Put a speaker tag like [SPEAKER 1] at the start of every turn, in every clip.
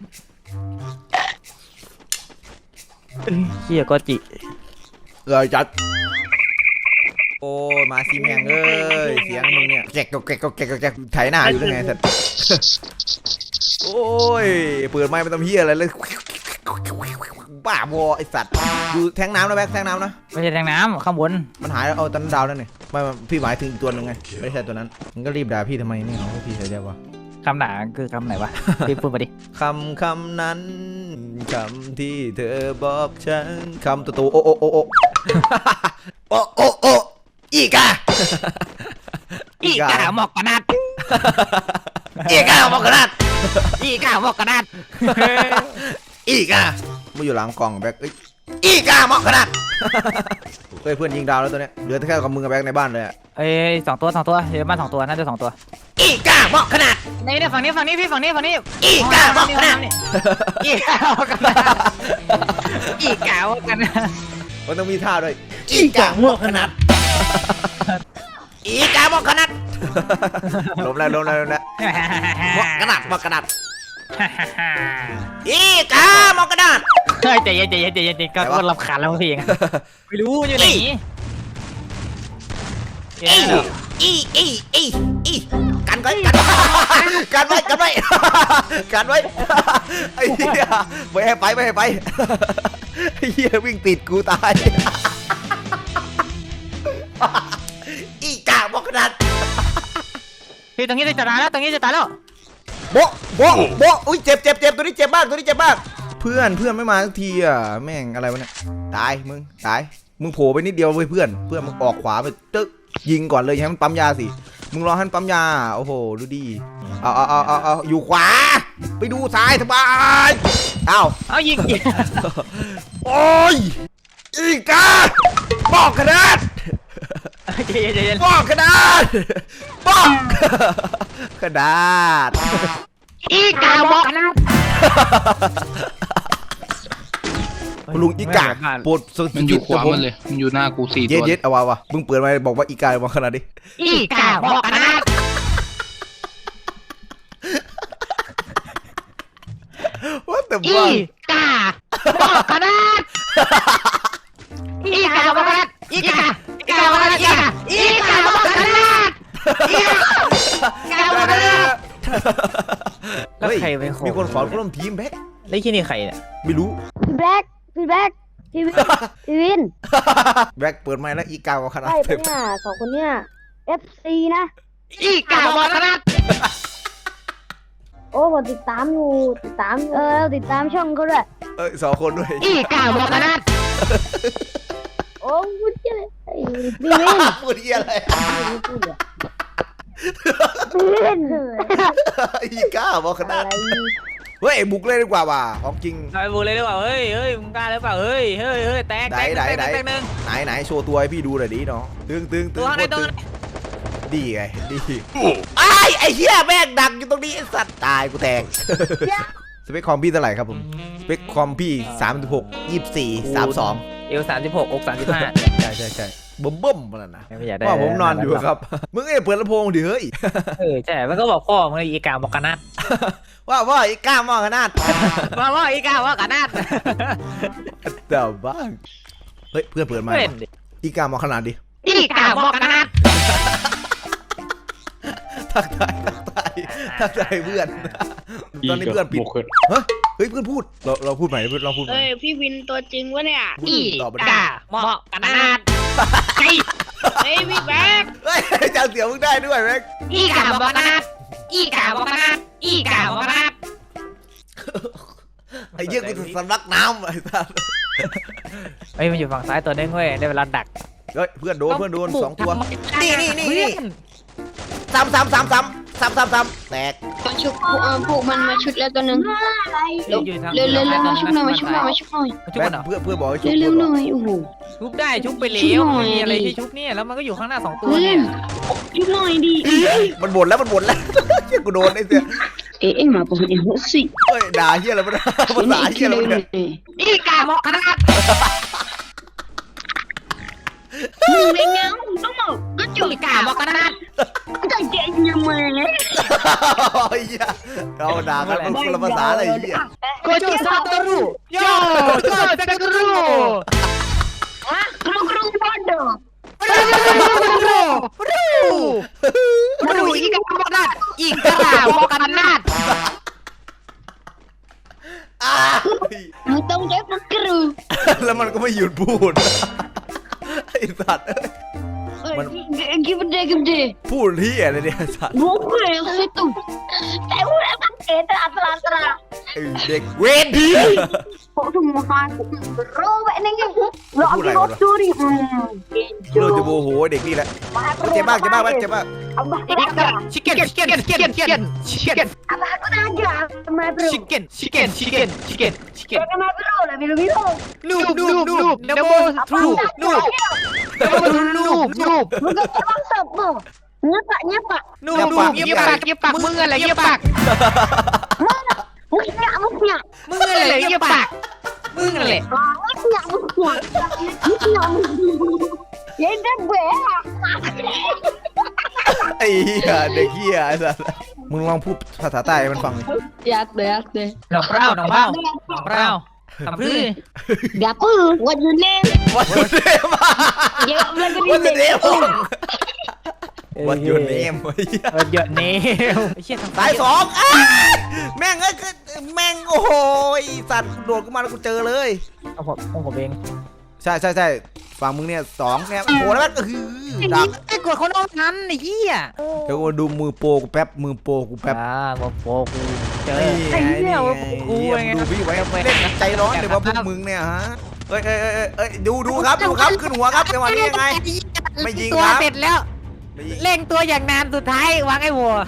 [SPEAKER 1] เฮียก็จิ
[SPEAKER 2] จัดโอ้มาซีแมงเอ้ยเสียงมึงเนี่ยแกกไถหน้าอยู่ได้ไงสัตว์โอ้ยเปิดไม้ไม่ต้องเฮียอะไรเลยบ้าบอไอสัตว์ดูแทงน้ำนะแบ็คแทงน้ำนะ
[SPEAKER 1] ไม่ใช่แทงน้ำข้างบน
[SPEAKER 2] มันหายแล้วเอาตอนดาวนั่นนี่ไม่พี่หมายถึงอีกตัวนึงไงไม่ใช่ตัวนั้นมึงก็รีบด่าพี่ทำไมนี่ของพี่ใส่ใจวะ
[SPEAKER 1] คำด่าคือคำไหนวะพี่พูดมาดิ
[SPEAKER 2] คำนั้นคำที่เธอบอกฉันคำตัวโออีกา
[SPEAKER 1] หมอกกระดาษ
[SPEAKER 2] อีกาหมอกกระดาษอีกามาอยู่หลังกล่องแบ็คอีกาหมอกกระดาษเพื่อนยิงดาวแล้วตัวเนี้ยเหลือแค่กับมึงกับแบ็คในบ้านเลย
[SPEAKER 1] สองตัวเดี๋ยวบ้าน2 ตัวน่าจะ2 ตัว
[SPEAKER 2] อีกาหมอกขนาด
[SPEAKER 1] นี่ฝั่งนี้พี่ฝั่งนี้
[SPEAKER 2] อีกาหมอกขนาด
[SPEAKER 1] อีกาหมอกขนาด
[SPEAKER 2] มันต้องมีท่าด้วยอีกาหมอกขนาดอีกาหมอกขนาดล้มแล้วหมอกขนาดอีกาหมอกขนาด
[SPEAKER 1] ใจเย็นก็รำคาญแล้วพี่ไม่รู้อยู่ไหน
[SPEAKER 2] กันไว้ไอ้เหี้ยไม่ให้ไปไอ้เหี้ยวิ่งติดกูตายอีกาบอกขนาด
[SPEAKER 1] พี่ตรงนี้จะตายแล้ว
[SPEAKER 2] โบอุ้ยเจ็บตัวนี้เจ็บมากเพื่อนไม่มาสักทีอ่ะแม่งอะไรวะเนี่ยตายมึงโผล่ไปนิดเดียวเว้ยเพื่อนมึงออกขวาไปตึ๊กยิงก่อนเลยให้มันปั๊มยาสิมึงรอให้มันปั๊มยาโอ้โหดูดีเอาอยู่ขวาไปดูซ้ายสบาย
[SPEAKER 1] เอายิง
[SPEAKER 2] โอ้ยอีกาบอกขนาดบอกขนาด
[SPEAKER 1] อีกาบอกขนาด
[SPEAKER 2] ลุงอีกาปวด
[SPEAKER 3] มันอยู่ขวามันเลยมันอยู่หน้ากู4 ตัว
[SPEAKER 2] เย็ดเอาวะมึงเปิดมาบอกว่าอีกาบอกขนาดดิ
[SPEAKER 1] อีกาบอกขนาด
[SPEAKER 2] ว่าแต่
[SPEAKER 1] อีกาบอกขนาดอีกาบอกขนาดอีกาบอกขนาดแล้วใครไปขอ
[SPEAKER 2] มีคนขอร่วมทีมแบ็ค
[SPEAKER 1] แล้วที่นี่ใครเนี่ย
[SPEAKER 2] ไม่รู้
[SPEAKER 4] พี่แบ็คพี่วิน
[SPEAKER 2] แบ็คเปิดไมค์แล้วอีกาบอกขนาด
[SPEAKER 4] ใช่ปะเนี่ย2 คนเนี่ย FC นะ
[SPEAKER 1] อีกาบอกขนาด
[SPEAKER 4] โอ้ผมติดตามติดตามช่องเขาด้วย
[SPEAKER 2] 2 คนด้วย
[SPEAKER 1] อีกาบอกขนาด
[SPEAKER 4] โอ้พูดอะไรพี่วิน
[SPEAKER 2] พูดอะไร
[SPEAKER 4] พี่วิน
[SPEAKER 2] อีกาบอกขนาดเฮ้ยบุกเลยดีกว่าว่ะของจริง
[SPEAKER 1] บุกเลยดีกว่าเฮ้ยมึงกล้าหรือเปล่าเฮ้ยแตกนึง
[SPEAKER 2] ไหนโชว์ตัวให้พี่ดูหน่อยดิน้องตึง
[SPEAKER 1] ตัวไหน
[SPEAKER 2] ดีไงดีไอ้เหี้ยแม่งดังอยู่ตรงนี้สัตว์ตายกูแตกสเปคคอมพี่เท่าไหร่ครับผมสเปคคอมพี่36 24 32
[SPEAKER 1] เอว36อก35
[SPEAKER 2] ใช่บิ่มมาแล้วนะ
[SPEAKER 1] ว่า
[SPEAKER 2] ผมนอนอยู่ครับมึงเปิดลำโพงดิเฮ้ย
[SPEAKER 1] ใช่มันก็บอกพ่อมึงอีกาบอกขนาด
[SPEAKER 2] ว่าอีกาบอกขนาด
[SPEAKER 1] ว่าอีกาบอกขนาด
[SPEAKER 2] แต่บ้างเฮ้ยเพื่อนเปิดมาอีกาบอกขนาดดิ
[SPEAKER 1] อีกาบอกขนาด
[SPEAKER 2] ทักทายเพื่อนตอนนี้เพื่อนปิดเฮ้ยเพื่อนพูดเราพูดใหม่เราพูด
[SPEAKER 4] พี่วินตัวจริงวะเนี่ย
[SPEAKER 1] อีกาบอกขนาด
[SPEAKER 4] เฮ้ยพี่แบ็ค
[SPEAKER 2] เฮ้ยจำเสียงมึงได้ด้วยแบ็ค
[SPEAKER 1] อีกาบอกขนาด
[SPEAKER 2] ไอ้เยี่ยกูจะสำลักน้ำไอ้สัส
[SPEAKER 1] มันอยู่ฝั่งซ้ายตัวนึงเว้ยได้เวลาดัก
[SPEAKER 2] เฮ้ยเพื่อนโดน2 ตัวนี่ซ้ำแตก
[SPEAKER 4] มาชุบผูกมันมาชุดแล้วตัวนึงเร็วมาชุบหน่อย
[SPEAKER 2] เพื่อนบอกให้ชุบ
[SPEAKER 4] เร็วหน่อยโอ้โห
[SPEAKER 1] ชุบได้ชุบไปแล้วมีอะไรที่ชุบเนี่ยแล้วมันก็อยู่ข้างหน้า2 ตัวเนี่ย
[SPEAKER 4] ชุบหน่อยดิ
[SPEAKER 2] มันบ่นแล้วเชี่ยกูโดนไอ้เสีย
[SPEAKER 4] มาบอกอย่างนี้สิ
[SPEAKER 2] เฮ้ยด่าเชี่ยอะไรมันภาษาเชี่ยอะไรมัน
[SPEAKER 1] อีกาบอกขนาด
[SPEAKER 4] ในเงาต้องบอกก็จุด
[SPEAKER 1] อีกาบอกขนาด
[SPEAKER 4] ใจเย็นยังไง
[SPEAKER 2] ไอ้เหี้ยเราด่ากันมันคนละภาษาเลยไอ้เหี้ย
[SPEAKER 1] โคจูซาโตรุโยโคจูซาโตรุ
[SPEAKER 4] ฮะกรุบอด
[SPEAKER 1] รูอีกาบอกขนาดอีกาบอกขนาด
[SPEAKER 4] มึงต้องเจ็บกรู
[SPEAKER 2] แล้วมันก็ไม่หยุดพูดไอ้สัตว์
[SPEAKER 4] gimana
[SPEAKER 2] พูดที่อะไรเนี่ยสัตว์
[SPEAKER 4] bukan yang situ saya udah pakai terang-terang
[SPEAKER 2] ไอ้เด็กเวรดี
[SPEAKER 4] kok semua aku robek nih lo
[SPEAKER 2] Aku lah,
[SPEAKER 4] aku curi
[SPEAKER 2] เราจะโมโหเด็กนี่แหละเจ็บมากเจ็บมากเจ็บมาก
[SPEAKER 4] abah
[SPEAKER 1] chicken
[SPEAKER 4] abah aku aja sama bro
[SPEAKER 1] chicken
[SPEAKER 4] sama bro lah biru
[SPEAKER 1] noob
[SPEAKER 4] bukan emang sopo nyepak
[SPEAKER 1] noob เงียบปากมึงอะไรเงียบปาก
[SPEAKER 4] mana musnya
[SPEAKER 1] มึงอะไรเงียบปากมึงอะไร
[SPEAKER 4] musnya ya udah gue
[SPEAKER 2] ไอ้เหี้ยเด็กเหี้ยไอ้สัตว์มึงลองพูดภาษาใต้ให้มันฟัง
[SPEAKER 4] ya deh
[SPEAKER 1] น้องเปล่าทำพื้น
[SPEAKER 4] Gapu, what your name?
[SPEAKER 2] วันยูเนม
[SPEAKER 4] Ya, belajar
[SPEAKER 2] วันยูเน
[SPEAKER 4] ini.
[SPEAKER 2] มวันยูเนม
[SPEAKER 1] เยอะเนวเชี่ยทาง
[SPEAKER 2] สายสองแม่งเอ้ยแม่งโอ้โหสัตว์โดดขึ้นมาแล้วกูเจอเลย
[SPEAKER 1] เอาผมเอง
[SPEAKER 2] ใช่ฝั่งมึงเนี่ยสองเนี่ยโอ้โหแล้วมันก็คือดัก
[SPEAKER 1] ไอ้กดคนน้องนั้นไอ้เหี้ย
[SPEAKER 2] เดี๋ยวกูดูมือโปรกูแป๊บมือโปรกูแป๊บ
[SPEAKER 1] มาโปกูเจอ
[SPEAKER 2] นี่ไงนี่ไง
[SPEAKER 1] กูไง
[SPEAKER 2] ดูพี่ไว้เล่นใจร้อนเดี๋ยวว่าพวกมึงเนี่ยฮะเอ้ยดูครับขึ้นหัวครับจังหวะนี้ยังไงไม่ยิง
[SPEAKER 1] ตัว
[SPEAKER 2] ครับ
[SPEAKER 1] เสร็จแล้ว
[SPEAKER 2] ไม่ยิง
[SPEAKER 1] เร่งตัวอย่างนานสุดท้ายวางไอ้วัว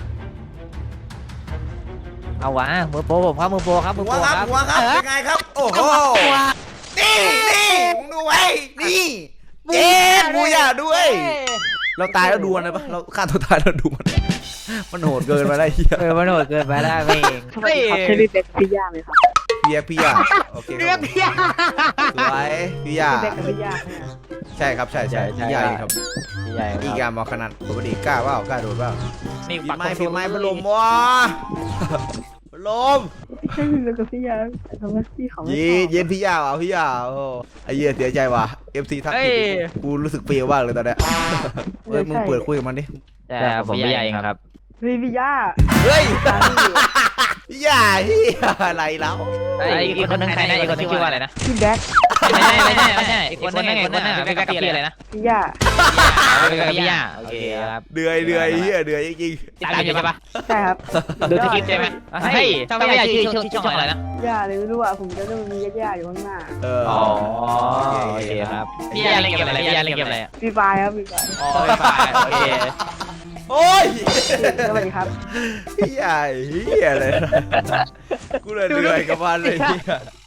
[SPEAKER 1] เอาวะมือโปผมครับมือโปครับมือ
[SPEAKER 2] หั
[SPEAKER 1] โป
[SPEAKER 2] วครับยังไงครับโอ้โหนี่มึงดูไว้นี่เจ๊บูย่าด้วย เราตายแล้วดูมันเลยปะเราฆ่าตัวตายแล้วดูมันโหดเกินไปได้เฮีย
[SPEAKER 1] มันโหดเกินไปได้เอง
[SPEAKER 5] ใช่พี่เป๊กพี่ย่าไหมครับ
[SPEAKER 2] พี่ยาโอเค
[SPEAKER 1] เรียกพี่ยา
[SPEAKER 2] สวยพี่ยา
[SPEAKER 5] พี่เป๊กกับพี่ย่าไหมครับ
[SPEAKER 2] ใช่ครับใช่พี่ยาครับ
[SPEAKER 1] ใหญ่
[SPEAKER 2] อีกามาขนาดปกติกล้าเปล่ากล้าโดดเปล่า
[SPEAKER 1] นี่
[SPEAKER 2] พี่ไม้พัดลมวะพัดลม
[SPEAKER 5] ใช่พี่เป๊กกับพี่ย่าแต่ทำไมพี่เขาไม่
[SPEAKER 2] เย็นพี่ยาเอาพี่ยาโอ้ไอ้เหี้ยเสียใจว่ะ FC ทักผิดกูรู้สึกเปรี้ยวมากเลยตอนเนี้ยเฮ้ยมึงเปิดคุยกับมันดิ
[SPEAKER 1] แต่ผมใหญ่เองครับ
[SPEAKER 5] พี่ย่า
[SPEAKER 2] เฮ้ยพี่ยาเฮียอะไรแล้ว
[SPEAKER 1] อีกคนนึงใครนะอีกคนนึงชื่อว่าอะไรนะ
[SPEAKER 5] พี่แบ็ค
[SPEAKER 1] ไม่ใช่อีกคนนึงพี่กับพี่อะไรนะ
[SPEAKER 5] พี่ย่า
[SPEAKER 1] พี่ยาโอเคครับ
[SPEAKER 2] เดือยเฮียจริง
[SPEAKER 1] ตามอยู่ใช่ปะ
[SPEAKER 5] ใช่ครับ
[SPEAKER 1] ดูสคริปต์ใช่ไหมเฮ้ยช่องไม่ใหญ่ชื่อช่องอะไรนะ
[SPEAKER 5] ย่าเลยไม่รู้อ่ะผมจะต้องมีย่าอยู่ข้างหน้า
[SPEAKER 2] ๆ
[SPEAKER 1] อ๋อโอเคครับพี่ยาเล่นเกมอะไรพี่ยาเล่นเกมอะไร
[SPEAKER 5] พี่ไฟครับพี่ไฟ
[SPEAKER 1] อ๋อไม่ฝ่ายโอเค
[SPEAKER 2] โอ้ย
[SPEAKER 5] สวัสดีครับ
[SPEAKER 2] พี่ยาเฮียเลยกูเลยเดือยกับมันเลยเฮีย